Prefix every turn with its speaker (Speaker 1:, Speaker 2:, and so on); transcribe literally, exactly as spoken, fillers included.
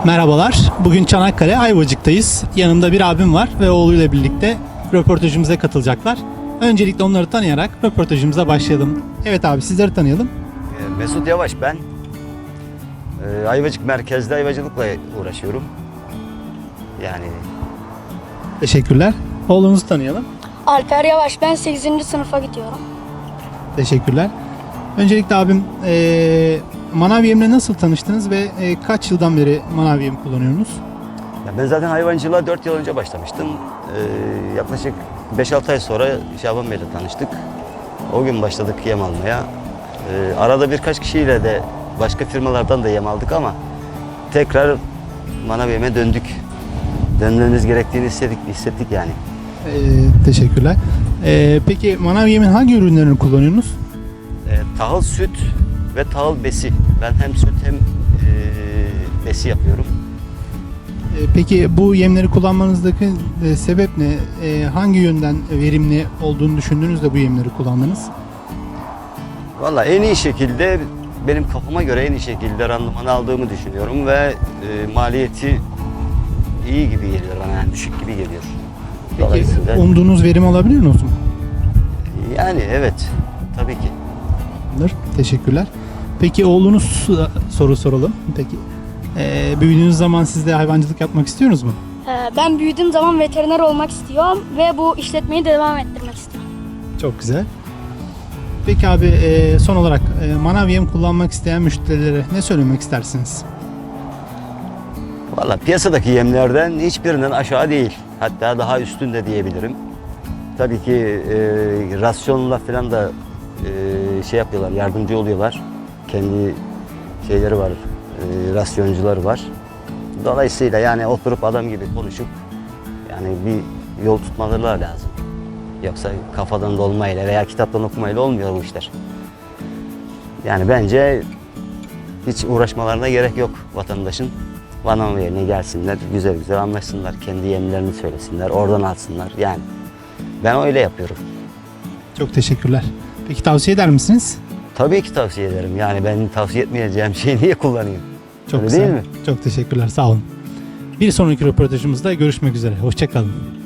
Speaker 1: Merhabalar. Bugün Çanakkale Ayvacık'tayız. Yanımda bir abim var ve oğluyla birlikte röportajımıza katılacaklar. Öncelikle onları tanıyarak röportajımıza başlayalım. Evet abi, sizleri tanıyalım.
Speaker 2: Mesut Yavaş ben. Ee, Ayvacık merkezde hayvancılıkla uğraşıyorum. Yani
Speaker 1: Teşekkürler. Oğlunuzu tanıyalım.
Speaker 3: Alper Yavaş, ben sekizinci sınıfa gidiyorum.
Speaker 1: Teşekkürler. Öncelikle abim, eee manav yemle nasıl tanıştınız ve e, kaç yıldan beri manav yem kullanıyorsunuz?
Speaker 2: ya ben zaten hayvancılığa dört yıl önce başlamıştım. Ee, yaklaşık beş altı ay sonra Şaban Bey'le tanıştık. O gün başladık yem almaya. Ee, arada birkaç kişiyle de başka firmalardan da yem aldık ama tekrar manav yeme döndük. Dönmemiz gerektiğini hissettik, hissettik yani.
Speaker 1: Eee, teşekkürler. Eee, peki manav yemin hangi ürünlerini kullanıyorsunuz?
Speaker 2: Ee, tahıl süt ve tahıl besi. Ben hem süt hem e, besi yapıyorum.
Speaker 1: Eee, peki bu yemleri kullanmanızdaki e, sebep ne? E, hangi yönden verimli olduğunu düşündünüz de bu yemleri kullandınız?
Speaker 2: Valla en iyi şekilde, benim kafama göre en iyi şekilde randıman aldığımı düşünüyorum ve e, maliyeti iyi gibi geliyor bana, yani düşük gibi geliyor.
Speaker 1: Peki
Speaker 2: Dolayısıyla
Speaker 1: umduğunuz verim alabiliyor musunuz?
Speaker 2: yani evet, tabii ki.
Speaker 1: Teşekkürler. Peki oğlunuz, soru soralım. Peki e, büyüdüğünüz zaman siz de hayvancılık yapmak istiyorsunuz mu?
Speaker 3: Ee, Ben büyüdüğüm zaman veteriner olmak istiyorum ve bu işletmeyi devam ettirmek istiyorum.
Speaker 1: Çok güzel. Peki abi, e, son olarak e, manav yem kullanmak isteyen müşterilere ne söylemek istersiniz?
Speaker 2: Valla piyasadaki yemlerden hiçbirinden aşağı değil. Hatta daha üstünde diyebilirim. Tabii ki e, rasyonla falan da e, şey yapıyorlar, yardımcı oluyorlar. Kendi şeyleri var, e, rasyoncuları var. Dolayısıyla yani oturup adam gibi konuşup yani bir yol tutmaları lazım. Yoksa kafadan dolmayla veya kitaptan okumayla olmuyor bu işler. Yani bence hiç uğraşmalarına gerek yok vatandaşın. Manav yerine gelsinler, güzel güzel anlaşsınlar, kendi yemlerini söylesinler, oradan alsınlar. Yani ben öyle yapıyorum.
Speaker 1: Çok teşekkürler. Peki tavsiye eder misiniz?
Speaker 2: Tabii ki tavsiye ederim. Yani ben tavsiye etmeyeceğim şeyi niye kullanayım?
Speaker 1: Çok
Speaker 2: Öyle
Speaker 1: güzel.
Speaker 2: değil mi?
Speaker 1: Çok teşekkürler. Sağ olun. Bir sonraki röportajımızda görüşmek üzere. Hoşça kalın.